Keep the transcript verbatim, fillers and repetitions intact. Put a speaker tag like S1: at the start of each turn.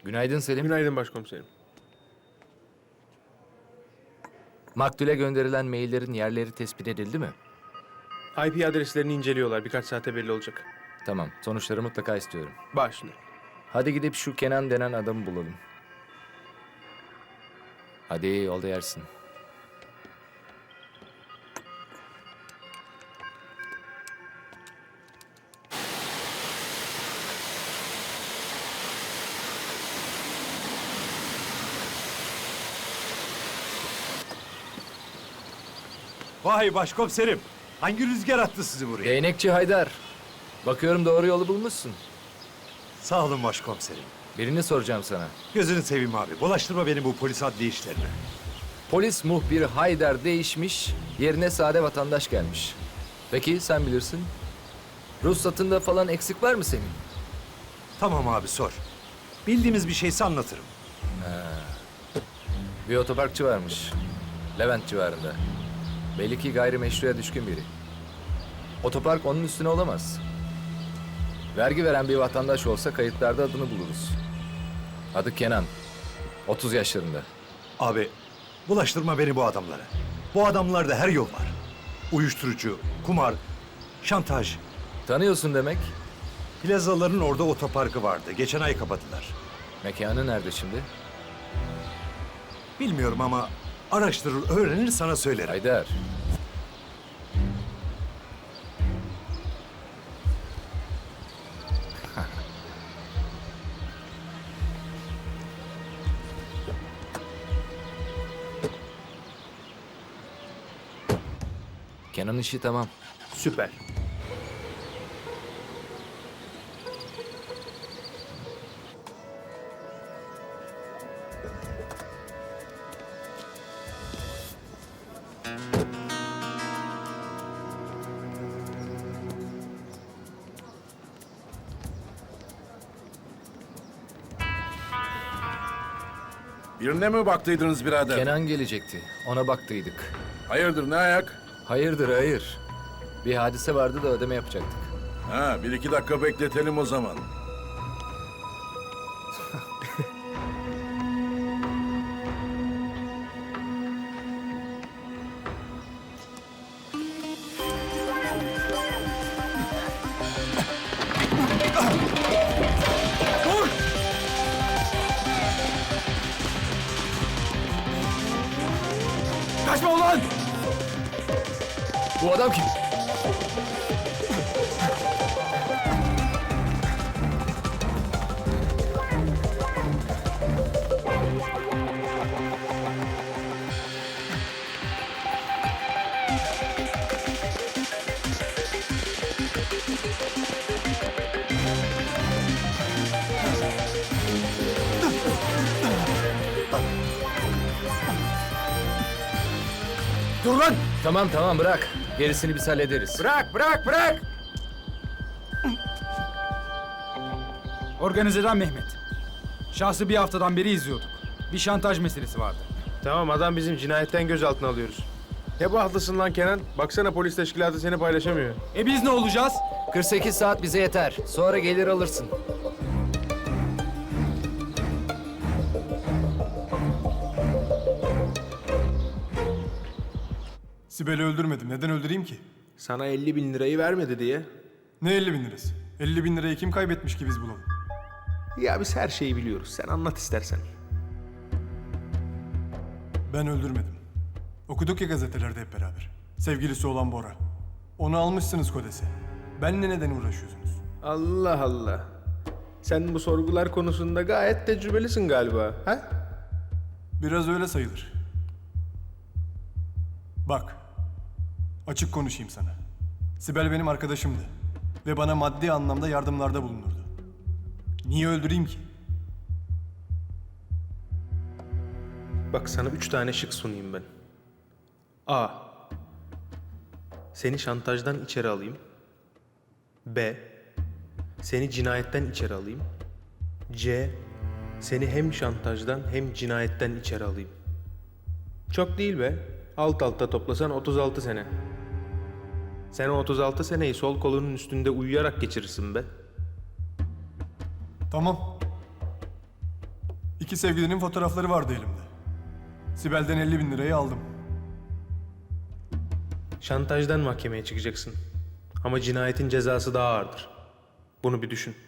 S1: Günaydın Selim.
S2: Günaydın başkomiserim.
S1: Maktule gönderilen maillerin yerleri tespit edildi mi?
S2: I P adreslerini inceliyorlar. Birkaç saate belli olacak.
S1: Tamam, sonuçları mutlaka istiyorum.
S2: Başla.
S1: Hadi gidip şu Kenan denen adamı bulalım. Hadi yolda yersin.
S3: Vay başkomiserim. Hangi rüzgar attı sizi buraya?
S1: Değnekçi Haydar. Bakıyorum doğru yolu bulmuşsun.
S3: Sağ olun başkomiserim.
S1: Birini soracağım sana.
S3: Gözünü seveyim abi. Bulaştırma beni bu polis adli işlerine.
S1: Polis muhbiri Haydar değişmiş, yerine sade vatandaş gelmiş. Peki sen bilirsin. Ruhsatında falan eksik var mı senin?
S3: Tamam abi sor. Bildiğimiz bir şeyse anlatırım.
S1: Bir otoparkçı varmış. Levent civarında. Belli ki gayrimeşruya düşkün biri. Otopark onun üstüne olamaz. Vergi veren bir vatandaş olsa kayıtlarda adını buluruz. Adı Kenan. otuz yaşlarında.
S3: Abi bulaştırma beni bu adamlara. Bu adamlarda her yol var. Uyuşturucu, kumar, şantaj.
S1: Tanıyorsun demek.
S3: Plazaların orada otoparkı vardı. Geçen ay kapadılar.
S1: Mekanı nerede şimdi?
S3: Bilmiyorum ama araştırır, öğrenir sana söylerim.
S1: Haydar. Kenan işi tamam.
S2: Süper.
S4: Birine mi baktıydınız birader?
S1: Kenan gelecekti. Ona baktıydık.
S4: Hayırdır, ne ayak?
S1: Hayırdır hayır. Bir hadise vardı da ödeme yapacaktık.
S4: Ha, bir iki dakika bekletelim o zaman.
S2: Kaçma ulan!
S1: Bu adam kim?
S2: Dur lan!
S1: Tamam tamam bırak. Gerisini biz hallederiz.
S2: Bırak, bırak, bırak!
S5: Organizeden Mehmet. Şahsı bir haftadan beri izliyorduk. Bir şantaj meselesi vardı.
S2: Tamam, adam bizim cinayetten gözaltına alıyoruz. Ne bahtlısın lan Kenan? Baksana polis teşkilatı seni paylaşamıyor.
S5: E biz ne olacağız?
S1: kırk sekiz saat bize yeter. Sonra gelir alırsın.
S6: Sibel'i öldürmedim. Neden öldüreyim ki?
S2: Sana elli bin lirayı vermedi diye.
S6: Ne elli bin lirası? elli bin lirayı kim kaybetmiş ki biz bulalım?
S2: Ya biz her şeyi biliyoruz. Sen anlat istersen.
S6: Ben öldürmedim. Okuduk ya gazetelerde hep beraber. Sevgilisi olan Bora. Onu almışsınız Kodes'e. Benle neden uğraşıyorsunuz?
S2: Allah Allah. Sen bu sorgular konusunda gayet tecrübelisin galiba, ha?
S6: Biraz öyle sayılır. Bak, açık konuşayım sana. Sibel benim arkadaşımdı. Ve bana maddi anlamda yardımlarda bulunurdu. Niye öldüreyim ki?
S2: Bak sana üç tane şık sunayım ben. A. Seni şantajdan içeri alayım. B. Seni cinayetten içeri alayım. C. Seni hem şantajdan hem cinayetten içeri alayım. Çok değil be. Alt alta toplasan otuz altı sene. Sen o otuz altı seneyi sol kolunun üstünde uyuyarak geçirirsin be.
S6: Tamam. İki sevgilinin fotoğrafları vardı elimde. Sibel'den elli bin lirayı aldım.
S2: Şantajdan mahkemeye çıkacaksın. Ama cinayetin cezası daha ağırdır. Bunu bir düşün.